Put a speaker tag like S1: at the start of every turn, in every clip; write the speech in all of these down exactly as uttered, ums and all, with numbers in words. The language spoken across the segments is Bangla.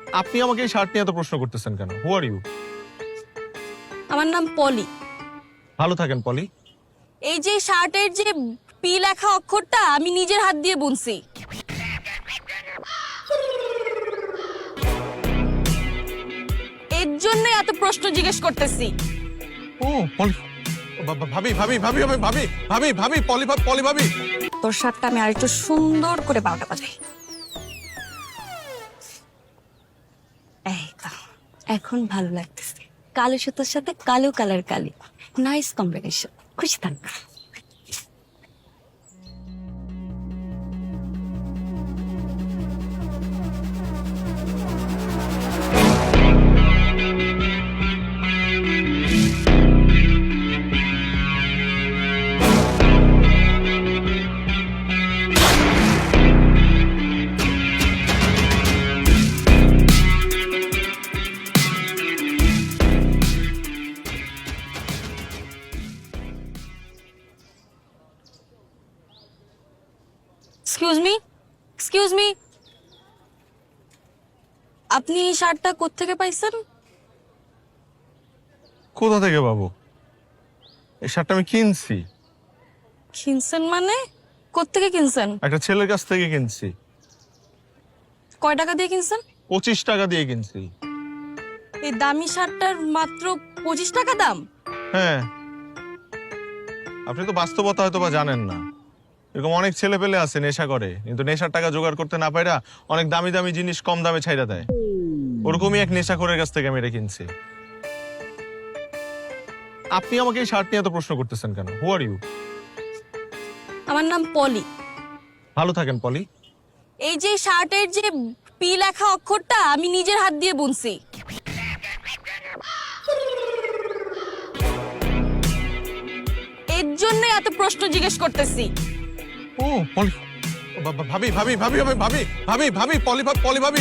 S1: আপনি আমাকে এই শার্ট নিয়ে এত প্রশ্ন করতেছেন কেন? Who are you?
S2: আমার নাম পলি।
S1: ভালো থাকেন পলি।
S2: এই যে শার্টের যে পি লেখা অক্ষরটা আমি নিজের হাত দিয়ে বুনছি। এর জন্য এত প্রশ্ন জিজ্ঞেস করতেছি।
S1: ও পলি, বা- বা- ভাবি ভাবি ভাবি ভাবি ভাবি ভাবি ভাবি পলি ভাবি পলি ভাবি।
S2: তোর শার্টটা আমি আরেকটু সুন্দর করে বারোটা বাজাই। এই তো এখন ভালো লাগতেছে। কালো সুতোর সাথে কালো কালার কালি, নাইস কম্বিনেশন। খুশি থাক। এক্সকিউজ মি, এক্সকিউজ মি, আপনি এই শার্টটা কোত্থেকে পাইছেন?
S1: কোথা থেকে পাবো? এই শার্টটা আমি কিনছি।
S2: কিনছেন মানে? কোত্থেকে কিনছেন?
S1: একটা ছেলের কাছ থেকে কিনছি।
S2: কয় টাকা দিয়ে কিনছেন?
S1: পঁচিশ টাকা দিয়ে কিনছি।
S2: এই দামি শার্টটার মাত্র পঁচিশ টাকা দাম?
S1: হ্যাঁ, আপনি তো বাস্তবতা হয়তো বা জানেন না। এরকম অনেক ছেলে পেলে আছে নেশা করে, কিন্তু নেশার টাকা জোগাড় করতে না পাইরা অনেক দামি দামি জিনিস কম দামে ছাইরা দেয়। ওরকমই এক নেশাখোরের কাছ থেকে আমি এটা কিনছি। আপনি আমাকে এই শার্ট নিয়ে এত প্রশ্ন করতেছেন কেন? Who are you?
S2: আমার নাম পলি।
S1: ভালো থাকেন পলি।
S2: এই যে শার্টের যে পি লেখা অক্ষরটা আমি নিজের হাত দিয়ে বুনছি। এর জন্য এত প্রশ্ন জিজ্ঞেস করতেছি।
S1: ও পলি, বা- বা- ভাবি ভাবি ভাবি ভাবি ভাবি ভাবি ভাবি পলি ভাবি পলি ভাবি।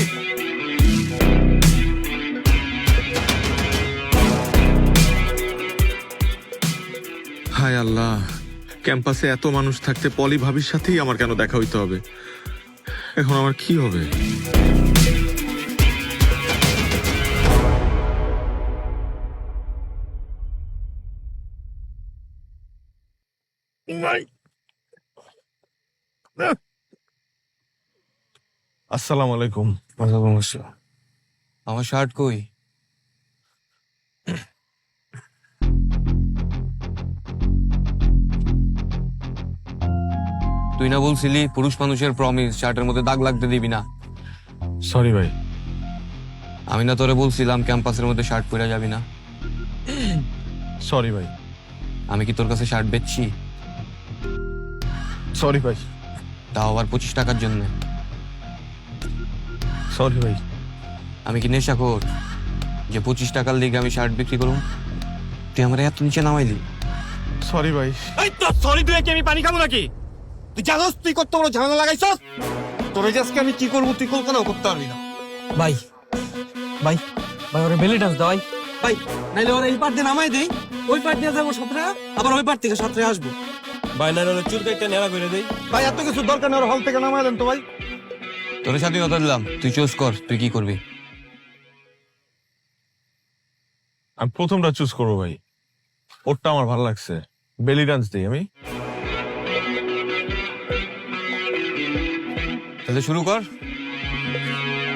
S1: হায় আল্লাহ, ক্যাম্পাসে এত মানুষ থাকতে পলি ভাবির সাথেই আমার কেন দেখা হইতে হবে? এখন আমার কি হবে? আসসালামু আলাইকুম।
S3: ওয়ালাইকুম আসসালাম। আমার শার্ট কই? তুই না বলছিলি পুরুষ মানুষের প্রমিস শার্টের মধ্যে দাগ লাগতে দিবি না?
S1: সরি ভাই।
S3: আমি না তোরে বলছিলাম ক্যাম্পাসের মধ্যে শার্ট পরে যাবি না?
S1: সরি ভাই।
S3: আমি কি তোর কাছে শার্ট বেচছি?
S1: সরি ভাই।
S3: তাও আবার পঁচিশ টাকার জন্য?
S1: সরি ভাই।
S3: আমি কি নেশাখোর যে পঁচিশ টাকার লিগে আমি শার্ট বিক্রি করবো? তুই আমার এত নিচে নামাইলি।
S1: সরি ভাই।
S4: এই তো সরি তুই কি আমি পানি খাবো নাকি? তুই জানোস তুই কত বড় ঝামেলা লাগাইছস? তোর আজকে আমি কি করবো তুই কল্পনাও করতে পারবি না।
S5: ভাই ভাই ভাই ওরে বেলি ডান্স দাও ভাই।
S4: ভাই নাইলে ওরা এই পার দিয়ে নামাই দেই, ওই পার দিয়ে যাবো সাঁতরে, আবার ওই পার থেকে সাঁতরে আসবো। ভাই নাইলে ওরা চুল কাইটা নেড়া করে দেই। ভাই এত কিছু দরকার নেই, ওরা হল থেকে নামাই দেন তো ভাই।
S3: তোর স্বাধীনতা দিলাম, তুই চুজ কর তুই কি করবি।
S1: আমি প্রথমটা চুজ করবো ভাই। ওরটা আমার ভালো লাগছে। বেলি ডান্স দিই আমি।
S3: তাহলে শুরু কর।